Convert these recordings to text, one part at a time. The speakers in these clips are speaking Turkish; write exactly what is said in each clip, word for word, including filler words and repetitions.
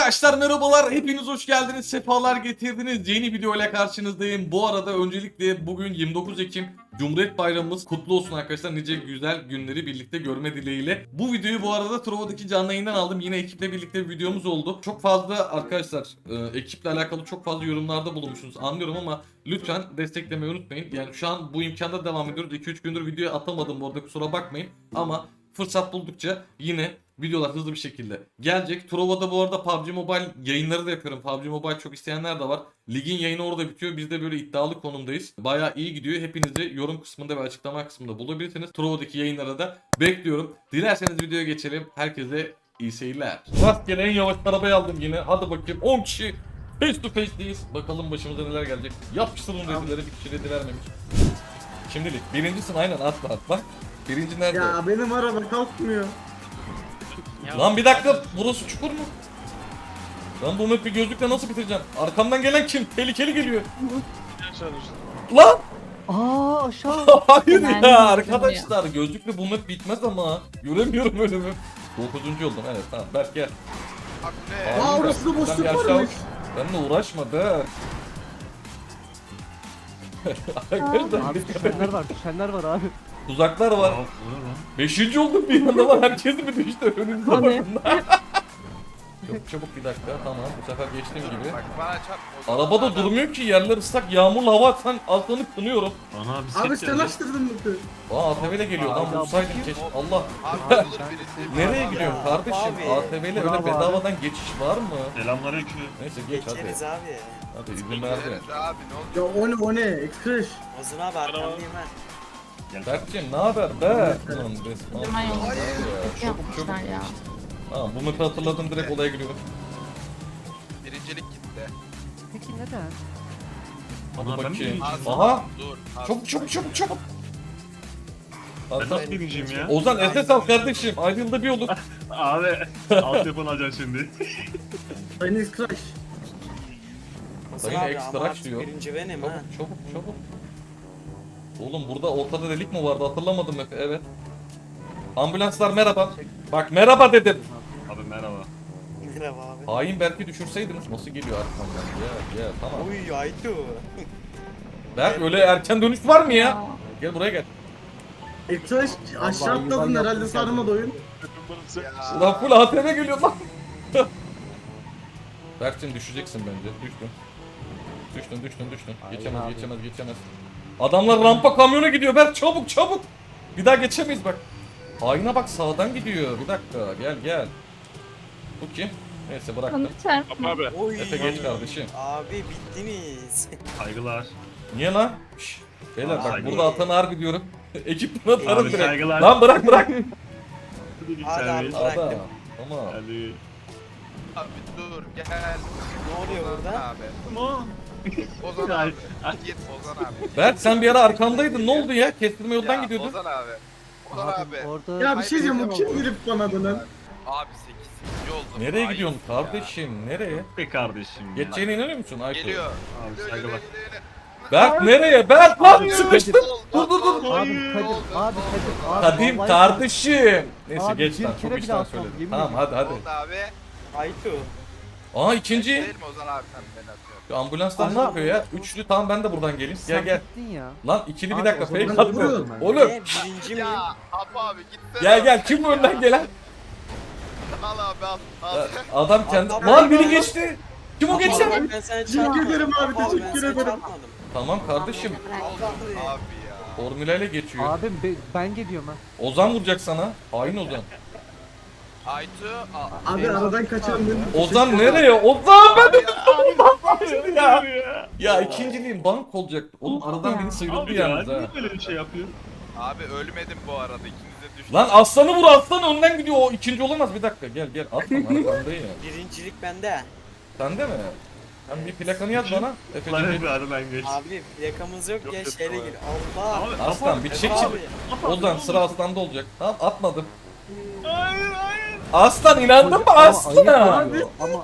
Arkadaşlar merhabalar, hepiniz hoş geldiniz, sefalar getirdiniz. Yeni video ile karşınızdayım. Bu arada öncelikle bugün yirmi dokuz Ekim Cumhuriyet Bayramımız kutlu olsun arkadaşlar. Nice güzel günleri birlikte görme dileğiyle. Bu videoyu bu arada Trova'daki canlı yayından aldım. Yine ekiple birlikte bir videomuz oldu. Çok fazla arkadaşlar e, ekiple alakalı çok fazla yorumlarda bulunmuşsunuz, anlıyorum ama lütfen desteklemeyi unutmayın. Yani şu an bu imkanda devam ediyoruz. iki üç gündür video atamadım orada, kusura bakmayın. Ama fırsat buldukça yine videolar hızlı bir şekilde gelecek. Trova'da bu arada P U B G Mobile yayınları da yapıyorum. P U B G Mobile çok isteyenler de var. Ligin yayını orada bitiyor. Biz de böyle iddialı konumdayız. Bayağı iyi gidiyor. Hepinizi yorum kısmında ve açıklama kısmında bulabilirsiniz. Trova'daki yayınlara da bekliyorum. Dilerseniz videoya geçelim. Herkese iyi seyirler. Rastgele en yavaş arabayı aldım yine. Hadi bakayım, on kişi face to face'deyiz. Bakalım başımıza neler gelecek. Yapıştırın redileri, bir kişi redi vermemiş. Şimdilik birincisin, aynen, atla at bak. Birinci nerede? Ya benim araba kalkmıyor. Lan bir dakika, burası çukur mu? Lan bu map'i gözlükle nasıl bitireceğim? Arkamdan gelen kim? Tehlikeli geliyor. Lan! Aa aşağı. Hayır Ben ya de arkadaşlar, gözlükle bu map bitmez ama. Göremiyorum önümü. dokuzuncu oldum, evet, tamam, Berk gel. Aa, Abi, orası da sen boşluk bir aşağı varmış. uç. Benimle uğraşma be. Arkadaşlar Abi düşenler var düşenler var abi. tuzaklar var. Beşinci oldum bir anda lan, herkes mi düştü önümüzde Hani? bakın. Çok çabuk, bir dakika, tamam, bu sefer geçtiğim gibi. Bak bana çarp. o zaman Arabada adam- durmuyor ki, yerler ıslak, yağmurlu hava atsan altını kınıyorum. Ana bir set Abi sen geldi. açtırdın mı? Aa A T V ile geliyor lan, Abi, bulsaydım abi, keşke. Allah. Abi olur birisi. Nereye Abi, gidiyorsun ya, kardeşim? abi. A T V ile öyle Bravo abi. bedavadan geçiş var mı? Selamünaleyküm. Neyse geç hadi. Geçeriz abi. Hadi izin verdi. Geçeriz abi ne oldu? Ya o ne o ne? Ekskreş. Ozan abi arkandayım ben. Berk'cim ne haber be? Ulan resmen. Hemen yolda. Ya, Kötü Çabuk çabuk. yapmışlar ya. Tamam, bu map'i hatırladım, direkt olaya giriyorum. Birincilik gitti. Peki neden? Hadi Ana, ben mi bakayım. birinciyim? Aha! Dur. abi. Çabuk çabuk çabuk çabuk. Ben Hasan, nasıl birinciyim ya? Ozan S S al kardeşim. Aynı yılda bir olur. Abi alt telefon alacaksın şimdi. Sayın Ekskreş. Ozan Sayın abi ekstra ama aç diyor. artık birinci benim Çabuk ha. çabuk çabuk. Oğlum burada ortada delik mi vardı, hatırlamadım hep, evet. Ambulanslar merhaba. Bak merhaba dedim. Abi merhaba. Merhaba abi. Hain Berk'i düşürseydiniz, nasıl geliyor arkamdan? Gel gel, tamam. Uy Aytu. Berk, öyle erken dönüş var mı ya? Gel buraya gel. Ekskreş aşağı Vallahi atladın ben herhalde, yaptım sarmadı oyun. Ya. Ulan full A T V geliyor lan. Berk'cim düşeceksin bence. Düştün. Düştün düştün düştün. Geçemez abi. geçemez geçemez. Adamlar rampa kamyona gidiyor Berk, çabuk çabuk. Bir daha geçemeyiz bak. Haine bak, sağdan gidiyor. Bir dakika, gel gel. Bu kim? Neyse bıraktım. Kanı çarpma. Oy. Efe geç kardeşim. Abi bittiniz. Saygılar. Niye lan? Şşş. Beyler bak, Abi. burada atanı harbi diyorum. Ekipten atarım Abi direkt. saygılar. Lan bırak bırak. Hadi abi. Ada. Bıraktım. Tamam. Hadi. Abi dur gel. Ne oluyor Ozan burada? abi. Ama. Ozan Ay, abi. Git Ozan abi. Berk, sen bir ara arkamdaydın, ne oldu ya? Kestirme yoldan Ya, gidiyordun. Ozan abi. Ozan Abi abi. orada Ya bir şey diyeceğim, bu kim girip bana dönen? Abi sekizinci oldum. Nereye Ay gidiyorsun ya. kardeşim? Nereye? Be kardeşim. ya. Geçeceğine inanıyor musun Ayko? Geliyor. Abi Geliyor, saygılar. geliyor, geliyor. Berk nereye? Berk lan sıkıştım. Dur dur dur. abi Kadir abi Kadir abi. Kadim vallahi- kardeşim. Neyse Abi, geç bir lan, kere çok bile işten atmam, söyledim. yemin Tamam hadi hadi. Oldu abi. Aytu. Aa ikinci. Değil mi Ozan abi sen beni atıyorsun? Ambulanslar ne Ama- yapıyor ya? Üçlü, tamam ben de buradan geleyim. Gel Sen gel. bittin ya. Lan ikili bir Abi, dakika o zaman fake ben attı. vuruyorum ben. Oğlum Ne birinci miyim? Ya Apo abi gitsene. gel gel, kim bu önden gelen? Al abi al. Al. Adam kendi... Abi, Lan abi, biri abi. geçti. Kim o Abi, geçen? bak ben sana Teşekkür çarpmadım. ederim abi, Apo ben teşekkür sana ederim. çarpmadım. Tamam kardeşim. Abi ya. Formülayla geçiyor. Abim be- ben geliyorum ha. Ozan vuracak sana. Hain Ozan. Aytu. a- Abi aradan kaçan benim. Ozan nereye? Ozan ben de Ya. ya. Ya ikinciliğim bank olacak. Oğlum aradan biri sıyrıldı Abi ya yalnız ha. niye böyle bir şey yapıyorsun? Abi ölmedim bu arada, ikiniz de düştünüz. Lan aslanı vur, aslan önden gidiyor, o ikinci olamaz. Bir dakika gel gel, atma arkandayım. Birincilik bende. Sende mi? Sen bir plakanı yaz bana. Lan Efe'cim hep aradan geç. Abi plakamız yok, Yok, ya yok, şehre tamam. gir. Allah. Abi, aslan bir çek Abi. çek. Ozan sıra aslanda olacak. Tamam, atmadım. Hayır hayır. Aslan inandın mı Ama ayıp aslan? oluyor, Ama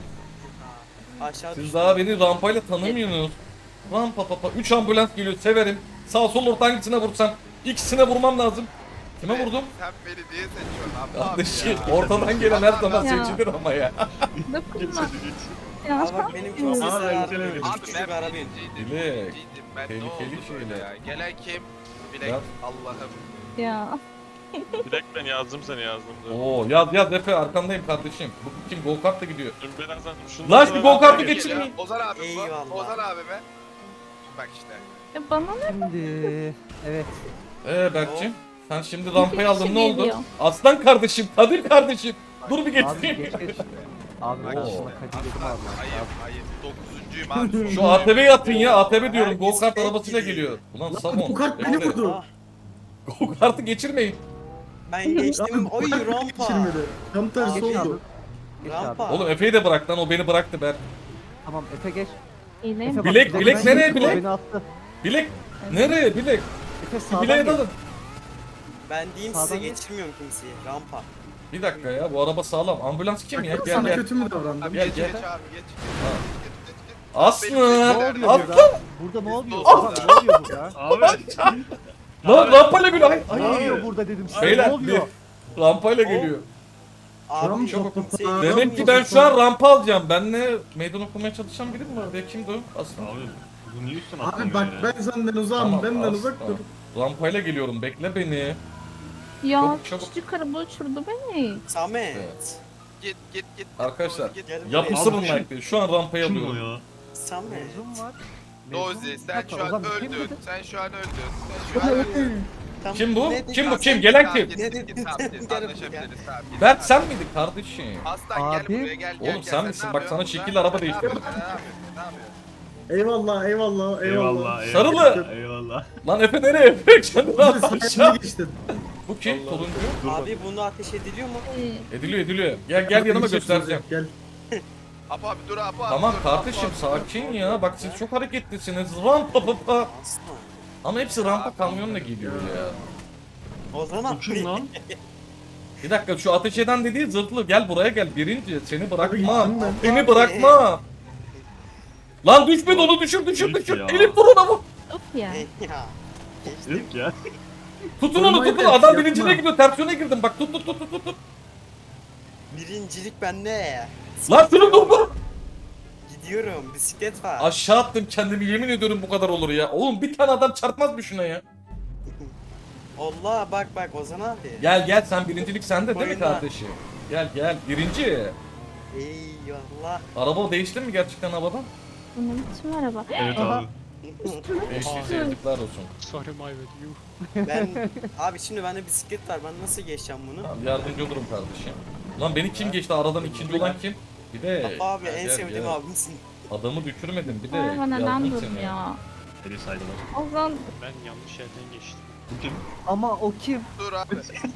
Aşağı Siz düştüm. daha beni rampayla tanımıyorsunuz. Rampa papa. üç ambulans geliyor, severim. Sağ sol orta hangisine vursam ikisine vurmam lazım. Kime vurdum? Sen beni niye seçiyorsun abi? Kardeşim Abi ya. ortadan gelen her zaman Ya. seçilir ama ya. Dokunma. Geç. Ya. Aa bak benim çok Aa, sesler ben var. gelemedim. Abi Küçük ben bir arabeyim. birinciydim. Bilek. Birinciydim. Ben ne Tehlikeli oldu böyle şeyler. ya? Gelen kim? Bilek. Ya. Allah'ım. Ya. Direkt ben yazdım seni yazdım. Dur. Oo yaz yaz Efe arkandayım kardeşim. Bu kim go kartla gidiyor. Dur birazdan şunu. Lan şu go kartı Geliyor. geçirmeyin. Ozan abi bu. Eyvallah. Ozan abi be. Bak işte. Ya bana ne? Şimdi evet. Ee Berk'cim sen şimdi rampayı aldın kişi ne oldu? geliyor. Aslan kardeşim, Kadir kardeşim. Dur bir Abi geçeyim. geç geç. Abi Bak o işte. Kadir dedim abi. Ayıp ayıp. Dokuzuncuyum abi. Şu A T V'yi atın ya. A T V diyorum. Go kart Herkes arabasıyla gidiyor. geliyor. Ulan Lan Samon. bu kart beni bekle. vurdu. Ah, Go kartı geçirmeyin. ben geçtim. Oy kart beni rampa. geçirmedi. Tam tersi Geç abi. oldu. Geç abi. Rampa. Oğlum Efe'yi de bırak lan. O beni bıraktı ben. Tamam Efe geç. İyileyim. Efe bak, Bilek, bilek ben- nereye o bilek? Beni attı. Bilek. Nereye bilek? Efe Bir sağdan bileğe gel. dalın. Ben diyeyim size Sağdan geç. geçirmiyorum kimseyi. Rampa. Bir dakika ya. Bu araba sağlam. Ambulans kim ya? Bak, Gel sana gel. kötü mü davrandım? Abi Gel, geç gel. geç abi geç. Ha. Geç, geç, geç. Aslı. Benim Ne seçimler- oluyor Atla. burada? Burada ne oluyor? Atla. Abi, ne oluyor burada? Abi. Lan rampayla geliyor. Ay, Ne ay. oluyor burada dedim size. Beyler Ne oluyor? bir rampayla geliyor. Abi Rampa. çok kimseyi Aa, Demek ki ben şu an rampa alacağım. Benle meydan okumaya çalışan biri mi var? Ya kimdi o? Aslı. Abi bu niye üstüne Abi atlamıyor bak ya? ben senden uzağım. Tamam, Benden aslan. uzak dur. Rampayla geliyorum. Bekle beni. Ya Çabuk, çabuk. küçücük araba uçurdu beni. Samet. Evet. Git git git. Arkadaşlar Git. Gel yapısı Abi, bunun like. Şu an rampayı Kim alıyorum. o ya? Samet. Mezun var. Dozi sen Hatta şu an Ozan kim öldün. dedi? Sen şu an öldün. Sen şu an öldün. Tamam, Kim bu? ne dedin? Kim bu? Sen- Kim? Gelen kim? Git Ne git dedin? git tamam git. Gel Anlaşabiliriz buraya. tamam. git. Berk sen miydin kardeşim? Aslan gel Abi. buraya gel gel. Oğlum gel. sen ne misin? Bak yapıyorsun sana burada? şekil araba Ne değiştirdim. yapıyorsun? Ne yapıyorsun? Ne yapıyorsun? Eyvallah eyvallah eyvallah. Eyvallah. Sarılı. Eyvallah. Lan Efe nereye? Efe kendini Abi at sen aşağı. geçtin. Bu kim? Turuncu. Abi bunu ateş ediliyor mu? Ee, Ediliyor ediliyor. Gel gel yanıma Geçtin, göstereceğim. Gel. Apo abi dur Apo abi. Tamam dur, kardeşim Apo abi, dur. sakin ya. Bak siz çok hareketlisiniz. Rampa papa. Aslan. Ama hepsi rampa kamyonla geliyor ya. O zaman Bu kim lan? Bir dakika şu ateş eden dediği zırhlı. Gel buraya gel. Birinci seni bırakmam. gittim ben. Seni bırakmam. Lan düşme onu düşür düşür Herif düşür. ya. Elif vur ona vur. Of ya. ya. Yok ya. Tutun onu Vurmayı tutun. da Adam yapma. birinciliğe gidiyor. Tersiyona girdim. Bak tut tut tut tut tut. tut. Birincilik bende. Lan şunu dur dur. Gidiyorum. Bisiklet var. Aşağı attım kendimi yemin ediyorum bu kadar olur ya. Oğlum bir tane adam çarpmaz mı şuna ya? Allah bak bak Ozan abi. Gel gel sen birincilik sende değil mi Oyunda. kardeşim? Gel gel birinci. Eyvallah. Araba değişti mi gerçekten havadan? Bu ne biçim araba? Evet Aha. abi. Değişti yazıklar olsun. Ben abi şimdi bende bisiklet var. Ben nasıl geçeceğim bunu? Tamam yardımcı olurum kardeşim. Lan beni kim geçti aradan ikinci olan kim? Bir de Abi gel, en gel, sevdiğim gel. abimsin. Adamı düşürmedin bir de Araba neden yardım seni. durmuyor? Eli saydılar. Ozan Ben yanlış yerden geçtim. Bu kim? Ama o kim? Dur abi.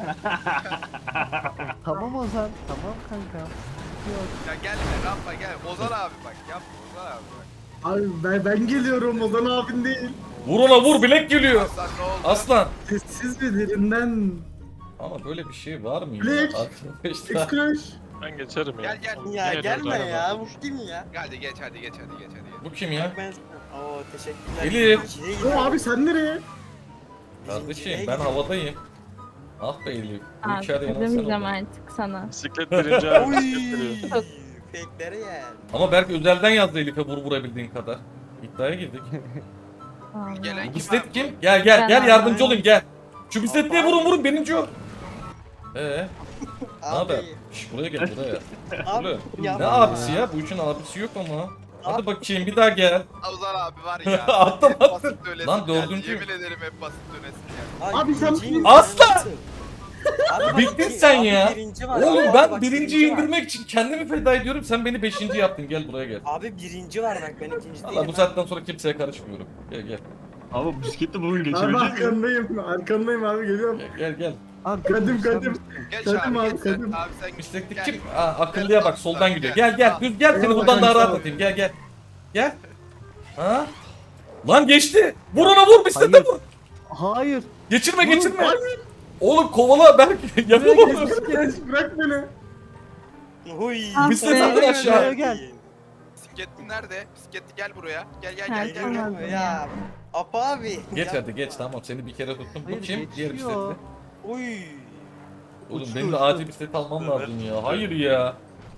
Tamam Ozan. Tamam kanka. Yok. Ya gelme rampa gel. Ozan abi bak yapma Ozan abi bak. Abi ben, ben geliyorum Ozan abin değil. Vur ona vur bilek geliyor. Aslan ne oldu? Aslan. Sessiz bir derinden. Ama böyle bir şey var mı ya? Bilek. Arkadaşlar. X-Crash. Ben geçerim ya. Gel, gel. Oğlum, Ya yine gelme dört araba ya. var. Bu kim ya? Hadi geç hadi geç hadi geç hadi geç. Bu kim ya? Ben Oo teşekkürler. Elif. İkiye O gidiyorum. abi sen nereye? Kardeşim Birinciliğe ben gidiyorum. havadayım. Ah be Elif. Bu Aa, içeride yanan sen demeyeceğim oldun. artık sana. Bisiklet birinci abi. Oy. Bisiklet geliyor. Fake'lere gel. Ama belki özelden yazdı Elif'e vur vurabildiğin kadar. İddiaya girdik. Vallahi. Gelen Bu kim bisiklet abi? kim? Gel gel gel Ben- yardımcı olayım gel. Şu bisikletliye vurun vurun birinci o. Ee, ne haber? Abi. Şş, buraya gel buraya. Abi. Buraya. yapma Ne abisi ya? Bu için abisi yok ama. Hadi Abi. bakayım bir daha gel. Ozan abi var ya. Attım, hep attım. basit dönesin Lan geldi. dördüncü. Yemin ederim hep basit dönesin geldi. Ay, Abi sen- birinciyim, Aslan! nasıl? Abi bak, Bittin bir- sen abi ya. birinci var. Oğlum Abi ben bak, birinciyi birinci var. indirmek için kendimi feda ediyorum. Sen beni beşinci yaptın. Gel buraya gel. Abi birinci var bak ben ikinci değilim. Valla bu saatten sonra kimseye karışmıyorum. Gel gel. Abi bisikletle bugün Abi geçebilecek miyim? arkandayım. Arkandayım abi geliyorum. Gel gel. gel. Abi Kadim sen- kadim. Geç Kadim abi abi, geç sen. kadim. Abi sen Bisikletlik Gel. kim? Aa, akıllıya bak soldan gidiyor. Gel gel. Düz gel seni Eyvallah buradan daha kanka, rahat sağ ol. atayım. Gel gel. Gel. Ha? Lan geçti. Vur ona vur bisiklete Hayır. vur. Hayır. Geçirme geçirme. Oğlum kovala Berk. Yapamam. X-Crash bırak beni. Huy. Ah Bisiklet be. atın aşağı. Gel. Bisiklet nerede? Bisiklet gel buraya. Gel gel Ha, gel gel. tamam. gel. Ya. Apa abi. Geç Ya. hadi geç tamam seni bir kere tuttum. Bu Hayır, kim? Diğer geçiyor. bisikletli. Uy. Oğlum Uçtu, benim de uçtu. acil bisiklet almam lazım ya. Hayır ya.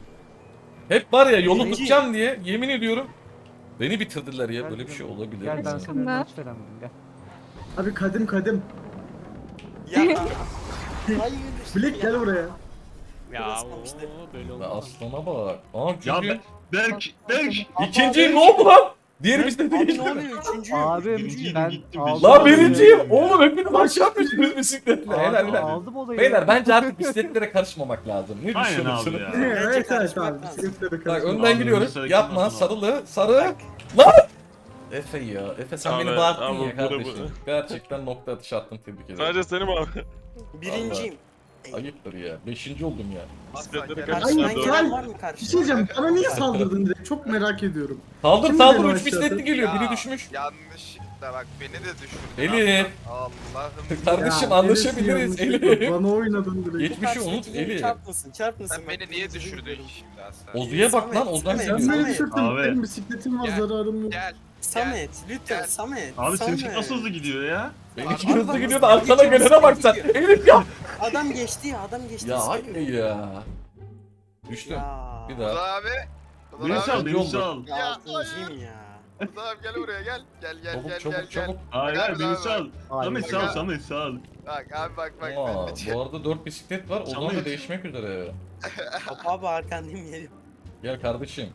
Hep var ya yolu Birinci. tutacağım diye yemin ediyorum. Beni bitirdiler ya. Böyle bir şey olabilir. Gel ben mi? senin önüne hiç veremedim gel. Abi kadim kadim. Ya. Hayır. Bilek gel buraya. Ya Basmamıştı. o böyle Ya olmaz. aslana bak. Aa Ya çünkü Be- Berk, Berk. ikinci ne oldu lan? Diğer bisiklete Abi geçti. ne oluyor? Üçüncü. Abim Birinciyim, ben gittim, aldım. Lan olayı. birinciyim. Oğlum hepiniz aşağı düştünüz bisikletle. Abi, Helal helal. Aldım olayı. Beyler bence artık bisikletlere karışmamak lazım. Ne Aynen abi düşünüyorsunuz? ya. Evet evet karışmak abi. lazım. Bisikletlere Bak karışma. önden Abi, gidiyoruz. önce Yapma sarı sarılı sarı. Bak. Lan! Efe ya. Efe sen Abi, beni bağırttın abi, ya bu- kardeşim. bu- Gerçekten nokta atışı attın tebrik ederim. Sadece seni mi abi? Birinciyim. Ayıptır ya. Beşinci oldum ya. Bisikletleri Aslan Ay, Karşıdan karşıdan gel. gelen var mı Bir karşıdan? şey diyeceğim. Bana niye saldırdın direkt? Çok merak ediyorum. Saldır Kim saldır bilir üç o bisikletli aşağıda? geliyor. Biri Ya, düşmüş. Yanlışlıkla bak beni de düşürdün. Elif. Allah'ım. Kardeşim Ya, anlaşabiliriz. neresi Elif. yanlış? Bana oynadın direkt. Geçmişi unut Karşıdaki Elif. Çarpmasın çarpmasın. Sen bak, beni niye birinciliği düşürdün görüyorum. şimdi aslan? Ozu'ya bak lan Samet, Ozan Samet, Sen geliyor. beni Samet. düşürdün. Abi. Benim bisikletim var Gel. zararım yok. Gel. Samet lütfen Gel. Samet. Abi Samet. seninki nasıl hızlı gidiyor ya? Benimki Abi, hızlı bak, gidiyor da hızlı arkana gidiyor, gelene bak sen. hızlı gidiyor. Elif ya. Adam geçti ya adam geçti. Ya bisiklet hayır ya. Düştüm. Ya. Bir Ozan daha. abi. Ozan Beni abi. sal, Yolda. beni sal. Ya Ya, altıncıyım ya. Ozan abi gel buraya gel. Gel gel Çabuk gel çabuk gel gel. çabuk. Hayır Bak hayır abi, beni bak. sal. Hayır. Samet Bak sal, abi. Samet sal. Bak abi bak bak. Aa, ben de- bu arada dört bisiklet var. Ozan da Samet. değişmek üzere. Hop abi arkandayım geliyorum. Gel kardeşim.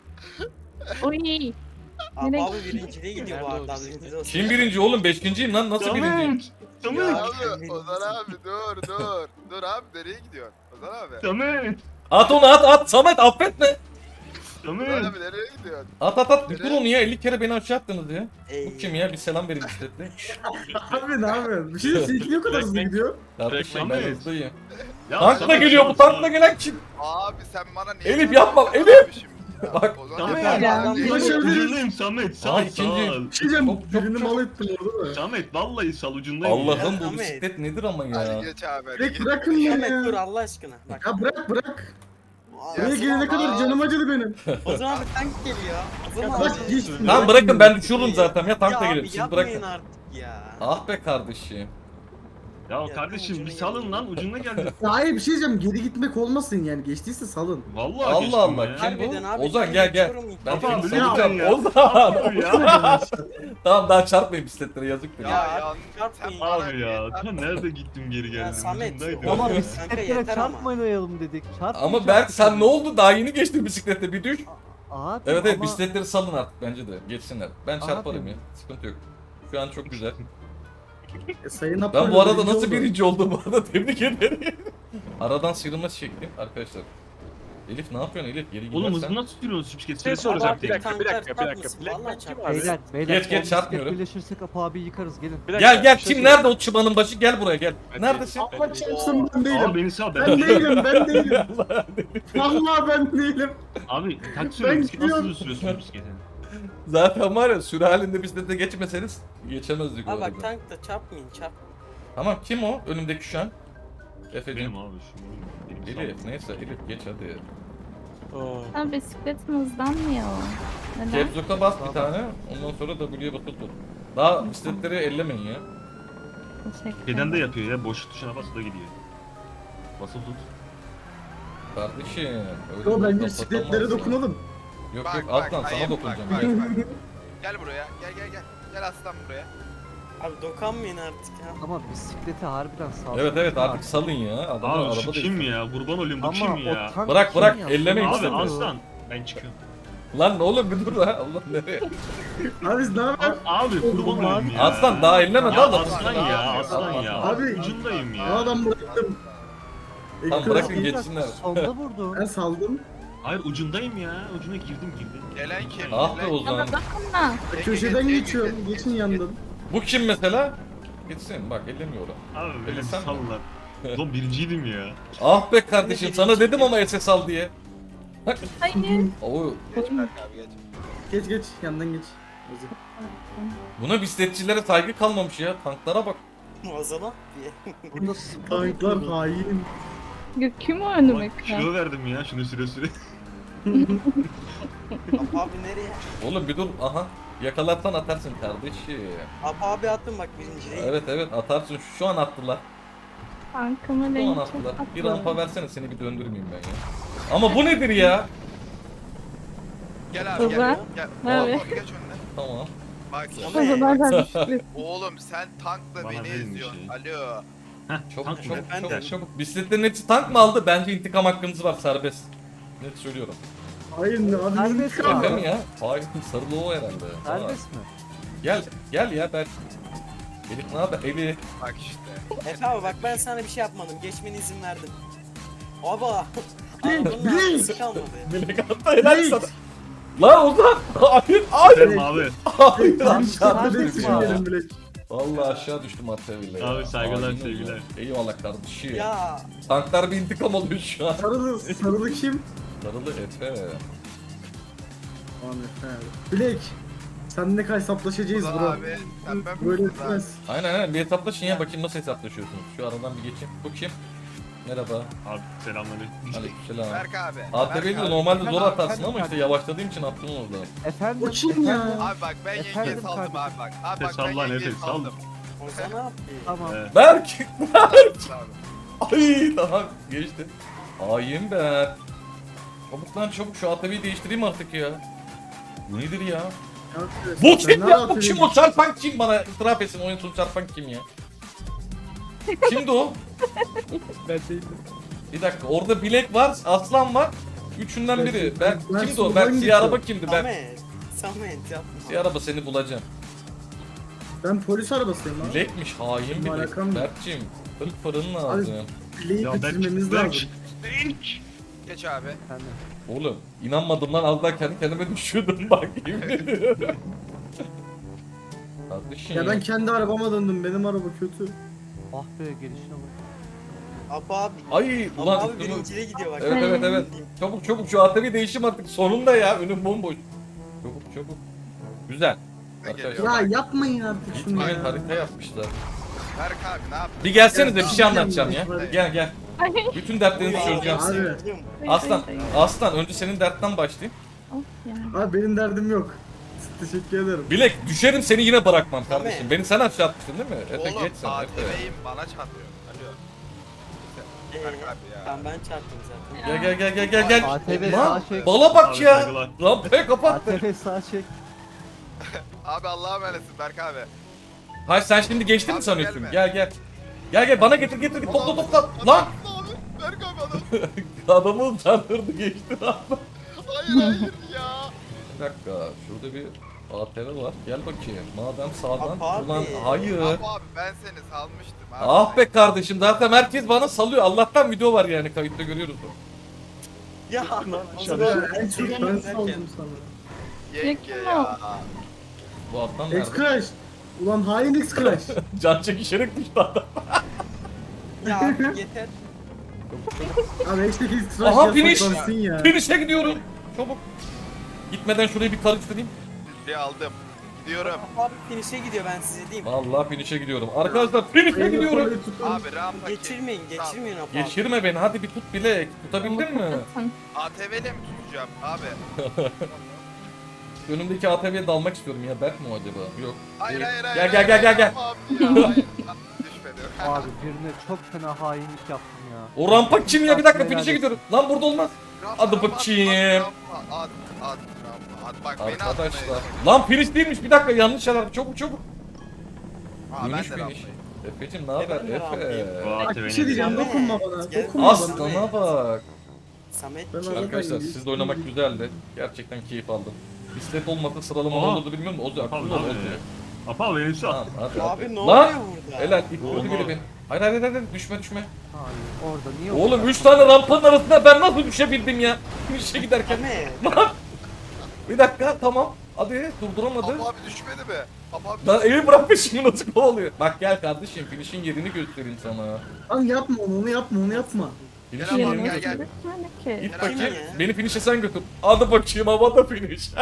Oy. Abi Nereye abi birinciliğe gidiyor bu Nerede o arada. bisiklet? Haberiniz olsun. Kim birinci oğlum? Beşinciyim lan. Nasıl birinciyim? Samet. Ya Samet. abi Ozan abi dur dur. Dur abi nereye gidiyorsun? Ozan abi. Samet. At onu at at. Samet affetme. Ozan Samet. abi nereye gidiyorsun? At at at. Dur onu ya. elli kere beni aşağı attınız ya. Ey. Bu kim ya? Bir selam verin bisikletle. Abi ne yapıyorsun? Bir şey diyeyim. Seninki niye o kadar hızlı gidiyor? Kardeşim ben Samet. hızlıyım. Ya Tankla Samet, geliyor bu sal, tankla sal. gelen kim? Abi sen bana niye... Elif yapma, Ozan Elif! abi şimdi ya. Bak. Ozan Samet. abi, Ya, Ozan abi. Ulaşabiliriz. Ucundayım Samet. Aa, Sal ikinci. sal. Bir şey diyeceğim. Çok, çok, Birini çok. mal ettim orada da. Samet vallahi sal ucundayım. ya. Allah'ım bu Samet. bisiklet nedir ama Hadi ya. geç abi hadi Direkt geç. bırakın beni Samet dur ya. Allah aşkına. Bak. Ya bırak bırak. Aa, Buraya Ozan gelene abi- kadar canım acıdı benim. Ozan abi tank geliyor. Ozan abi. Bırak geçtim. Tamam bırakın ben düşüyorum zaten ya tankla Ya gelin abi siz yapmayın bırakın. artık ya. Ah be kardeşim. Ya Ya, kardeşim ucuna bir salın geldi. lan ucuna geldi. Ya hayır bir şey diyeceğim. Geri gitmek olmasın yani. Geçtiyse salın. Vallahi Allah geçtim Allah ya. kim Harbiden bu? abi, Ozan ben gel gel. geçiyorum. Ben Tamam, seni biliyorum salacağım. ya. Ozan. Abi ya. Tamam daha çarpmayın bisikletlere yazıktır. Ya, Ya. ya, çarpmayın. sen bana Abi ya niye- ta nerede gittim geri geldim. Samet, Ucundaydım. o- Ama Kanka bisikletlere yeter ama. çarpmayalım dedik. Çarpmayacağız. Ama Berk sen ne oldu? Daha yeni geçtin bisiklette bir düş. Abi, Evet evet ama bisikletleri salın artık bence de. Geçsinler. Ben Abi. çarparım ya. Sıkıntı yok. Şu an çok güzel. E, sayın Ben Apollo bu arada birinci nasıl oldu. birinci oldum bu arada tebrik ederim. Aradan sıyrılma çektim arkadaşlar. Elif ne yapıyorsun Elif? Geri Oğlum gidersen. hızlı nasıl sürüyorsun bisiklet? Şey soracağım bir Abi, dakika bir dakika bir tanklar dakika. çarpmasın, Black vallahi Man kim çarpmasın. abi? Beyler beyler. Geç, geç, o bisiklet çarpmıyorum. birleşirsek Apo abi yıkarız gelin. Bir dakika, Gel gel bir şey kim soracağım. nerede o çıbanın başı gel buraya gel. Ben Neredesin? değilim, ben Allah değilim. çarpsın ben Abi değilim. beni sal ben. Ben değilim ben değilim. Allah. Vallahi ben değilim. Abi taksi Ben sürüyorum bisiklet nasıl gidiyorum. hızlı sürüyorsun bisikleti? Zaten var ya sürü halinde bisiklete geçmeseniz geçemezdik Abi orada. bak tankta çarpmayın çarp. Tamam kim o önümdeki şu an? Efe'cim. Benim abi şu oyun. Benim Elif neyse Elif geç hadi. Oo. Ha, bisikletim hızlanmıyor. Neden? Capslock'a bas bir tane ondan sonra W'ye basılı tut. Daha bisikletleri ellemeyin ya. Teşekkür Şeyden de ederim. yapıyor ya boş tuşuna bas o da gidiyor. Basılı tut. Kardeşim. Öyle Yo bir bence laf bisikletlere atamazsın. dokunalım. Yok Bak, yok bak, alttan sana hayır, dokunacağım. bak, Gel. bak, bak. Gel buraya. Gel gel gel. Gel aslan buraya. Abi dokanmayın artık ya. Ama bisikleti harbiden sağ. Evet evet artık salın ya. Adamlar Abi şu arabada kim ya? Kurban olayım bu Ama kim o ya? tank Bırak, kim bırak, ya? ellemeyin Abi istemiyor. aslan. Ben çıkıyorum. Lan ne oğlum bir dur ha. Allah nereye? Abi biz ne yapalım? Abi kurban olayım ya. Aslan daha elleme Ya daha da. aslan ya aslan ya. Abi, Abi ucundayım Bu ya. adam bıraktım. Tamam, Ekran- bırakın Bir geçsinler. dakika, Sonda vurdum. Ben saldım. Hayır ucundayım ya. Ucuna girdim girdim. Gelen kim? Ah be Gelen- Ozan. Ama dokunma. Köşeden geçiyorum. Geçin yandan. Bu kim mesela? Gitsin bak ellemiyor o. Abi Öyle beni sen mi? sallar. Ulan birinciydim ya. Ah be kardeşim sana dedim ama S S al diye. Hayır. Oo, Geç Berk abi geç. Geç geç yandan geç. Hadi. buna bisikletçilere saygı kalmamış ya. Tanklara bak. Ozan'a diye. Burada spor Tanklar yapıyoruz. hain. Ya, kim o önüme Ulan kilo verdim ya şunu süre süre. Abi, abi nereye? Oğlum bir dur aha. Yakalarsan atarsın kardeşim. Abi abi attım bak birinciliğe. Evet evet atarsın şu an attılar. Arkama Bu renk anahtarlar. çok Bir tatlı. rampa versene seni bir döndürmeyeyim ben ya. Ama bu nedir ya? Gel abi gel. Baba. Gel. Abi. Baba, geç önüne. Tamam. Bak O zaman ben bisiklet. oğlum sen tankla Bana beni verin bir eziyorsun. şey. Alo. Çabuk Tank mı? çabuk Efendim? çabuk çabuk. Bisikletlerin hepsi tank mı aldı? Bence intikam hakkınız var serbest. Net söylüyorum. Hayır ne abi Serbest intikam. mi? Değil mi ya? Hayır sarılı o herhalde. Tamam. Serbest mi? Gel gel ya ben. Elif ne haber? Elif. Bak işte. Efe abi bak ben sana bir şey yapmadım. Geçmene izin verdim. Aba. Blink, Arabanın blink. arkası kalmadı. Melek hatta helal sana. La Ozan. Hayır hayır. Selam abi. Hayır Tam aşağı şartlı düştüm bekliyorum ya. yerim bile. Vallahi aşağı düştüm Artevi'yle. Abi saygılar, Aynen sevgiler. öyle. Eyvallah kardeşim. Ya Tanklar bir intikam alıyor şu an. Sarılı, sarılı kim? Sarılı Efe. Ahmet he. Bilek. Seninle kaç hesaplaşacağız Ulan bro. abi sen ben Böyle misin lan? etmez. Aynen aynen bir hesaplaşın ya bakayım nasıl hesaplaşıyorsunuz. Şu aradan bir geçeyim. Bu kim? Merhaba. Abi selamünaleyküm. Aleykümselam. Berk abi. A T V'yi Berk de abi. normalde Ben zor abi, atarsın ben ama işte abi. yavaşladığım için attım orada. Efendim? O kim ya? efendim? Abi bak ben yengeye Efendim saldım kardeşim. abi bak. Abi bak Sal ben lan yengeye Efe, sal. saldım. Ozan ne yaptı? Tamam. Evet. Berk! Abi. Ay tamam geçti. Ayım ben. Çabuk lan çabuk şu A T V'yi değiştireyim artık ya. Bu nedir ya? Bu kim ya? Bu kim o çarpan kim bana itiraf etsin oyun sonu çarpan kim ya? Kimdi o? Ben değildim. Bir dakika orada Bilek var, Aslan var. Üçünden Ben- biri. ben- Ben, ben kimdi o? soldan Ben siyah gidiyorum. araba kimdi? Ben Samet. Samet yapma. siyah araba seni bulacağım. Ben polis arabasıyım lan. Bilekmiş hain Benim Bilek. alakam yok. Berk'cim fırın fırın lazım. Bileği Ya bitirmemiz Berk, lazım. Berk. Geç abi. Efendim. Oğlum inanmadım lan az daha kendi kendime düşüyordum bak yemin ediyorum. Kardeşim. Ya ben kendi arabama döndüm. Benim araba kötü. Ah be gelişine bak. Apo abi. Ay Apo ulan abi üstümü- birinciye gidiyor bak. Evet evet evet. Çabuk çabuk şu A T V değişim artık sonunda ya önüm bomboş. Çabuk çabuk. Güzel. Ben Arkadaşlar. geliyorum. Ya yapmayın artık şunu Gitmeyin ya. harita yapmışlar. Berk abi ne yaptın? Bir gelsenize bir Ya, şey anlatacağım ya. hadi. Gel gel. Ay. Bütün dertlerinizi Abi. çözeceğim. Abi. Aslan, Ay, ay, ay. Aslan önce senin dertten başlayayım. Of ya. Abi benim derdim yok. Teşekkür ederim. Bilek düşerim seni yine bırakmam kardeşim. Tabii. Beni sen aşağı atmıştın değil mi? Efe Oğlum geç sen A Efe. T V'yim bana çarpıyor. Alo. Ee, Berk abi ya. Tamam ben çarptım zaten. Gel gel gel gel gel gel. A T V Lan sağ çek. bala bak Abi, ya. saygılar. Rampayı A kapat. T V sağ çek. Abi Allah'a emanetsin Berk abi. Hayır sen şimdi geçtin mi Abi, sanıyorsun? gelme. Gel gel. Gel gel bana getir getir topla topla. Lan Abi Berk abi adam. adamı utandırdı geçti abi. Hayır hayır ya. Bir dakika şurada bir A T V var. Gel bakayım. Madem sağdan Abi. ulan hayır. Abi abi ben seni salmıştım abi. Ah be kardeşim zaten herkes bana salıyor. Allah'tan video var yani kayıtta görüyoruz. Ya Abi en çok ben saldım sana. Yenge Yakın ya. Bu Adnan nerede? X-Crash. Ulan hain X-Crash. Can çekişerek düştü adam. Ya abi yeter. Abi X'teki X-Crash Aha finish. yasaklansın ya. Finish'e gidiyorum. Çabuk. Gitmeden şurayı bir karıştırayım. Bir aldım. Gidiyorum. Apo abi finish'e gidiyor ben size diyeyim. Vallahi finish'e gidiyorum. Arkadaşlar finish'e Elini gidiyorum. kolunu tutun. Abi rampa ki- Geçirmeyin geçirmeyin Apo abi. Geçirme beni hadi bir tut Bilek. Tutabildin mi? Kapatın. A T V'yle mi tutacağım abi? Önümdeki A T V'ye dalmak istiyorum ya. Berk mi o acaba? Yok. Hayır Değil. hayır hayır. Gel gel gel gel gel. Abi ya hayır. Düşmedi. Abi birine çok fena hainlik yaptım ya. O rampa kim ya? Bir dakika Helal finish'e etsin. gidiyorum. Lan burada olmaz. Rampa, Hadi rampa, bakayım. rampa, At at rampa at. Bak beni Arkadaşlar. atmayın. Lan finish değilmiş. Bir dakika yanlış şeyler. Çabuk çabuk. Aa ben Finish de finish. rampayım. Efe'cim ne haber? ben de rampayım. Efe. Bu Bak A T V bir şey nedir diyeceğim ya? dokunma bana. Gel. Dokunma bana. Aslana bak. Samet Ben kim? arada- Arkadaşlar iyi. sizle oynamak güzeldi. Gerçekten keyif aldım. Bisiklet olmasa sıralama Aha. olurdu bilmiyorum da o yüzden Abi aklımda oldu. abi. Apa beni sal. Tamam hadi hadi. Abi ne Lan! oluyor burada? Helal ilk Olmaz. öldü biri beni. Hayır hayır hayır hayır, düşme düşme. Hayır orada niye Oğlum orada? üç tane rampanın arasında ben nasıl düşebildim ya? Finish'e giderken. Samet. Lan! Bir dakika tamam. Hadi durduramadı. Apo abi düşmedi mi? Apo abi Lan evi bırakmış şimdi nasıl oluyor? Bak gel kardeşim finish'in yerini göstereyim sana. Lan yapma onu, onu yapma, onu yapma. Finish'in Gel abi, yerini gel, göster. gel. Gitmedi ki. Git Gel bakayım. ya. Beni finish'e sen götür. Hadi bakayım havada finish.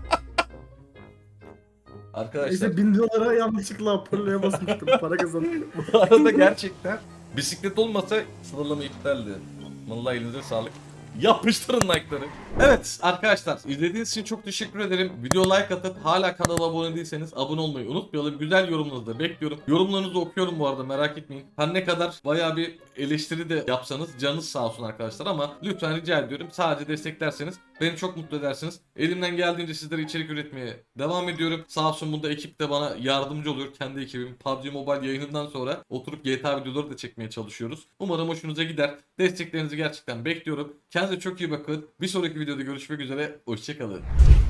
Arkadaşlar İşte bin dolara yanlışlıkla hoparlöre basmıştım. Para kazandım. bu arada gerçekten bisiklet olmasa sıralama iptaldi. Vallahi elinize sağlık. Yapıştırın like'ları. Evet arkadaşlar izlediğiniz için çok teşekkür ederim. Video like atıp hala kanala abone değilseniz abone olmayı unutmayalım. Güzel yorumlarınızı da bekliyorum. Yorumlarınızı okuyorum bu arada merak etmeyin. Her ne kadar bayağı bir eleştiri de yapsanız canınız sağ olsun arkadaşlar ama lütfen rica ediyorum sadece desteklerseniz beni çok mutlu edersiniz. Elimden geldiğince sizlere içerik üretmeye devam ediyorum. Sağ olsun bunda ekip de bana yardımcı oluyor. Kendi ekibim P U B G Mobile yayınından sonra oturup G T A videoları da çekmeye çalışıyoruz. Umarım hoşunuza gider. Desteklerinizi gerçekten bekliyorum. Kendinize çok iyi bakın. Bir sonraki videoda görüşmek üzere. Hoşçakalın.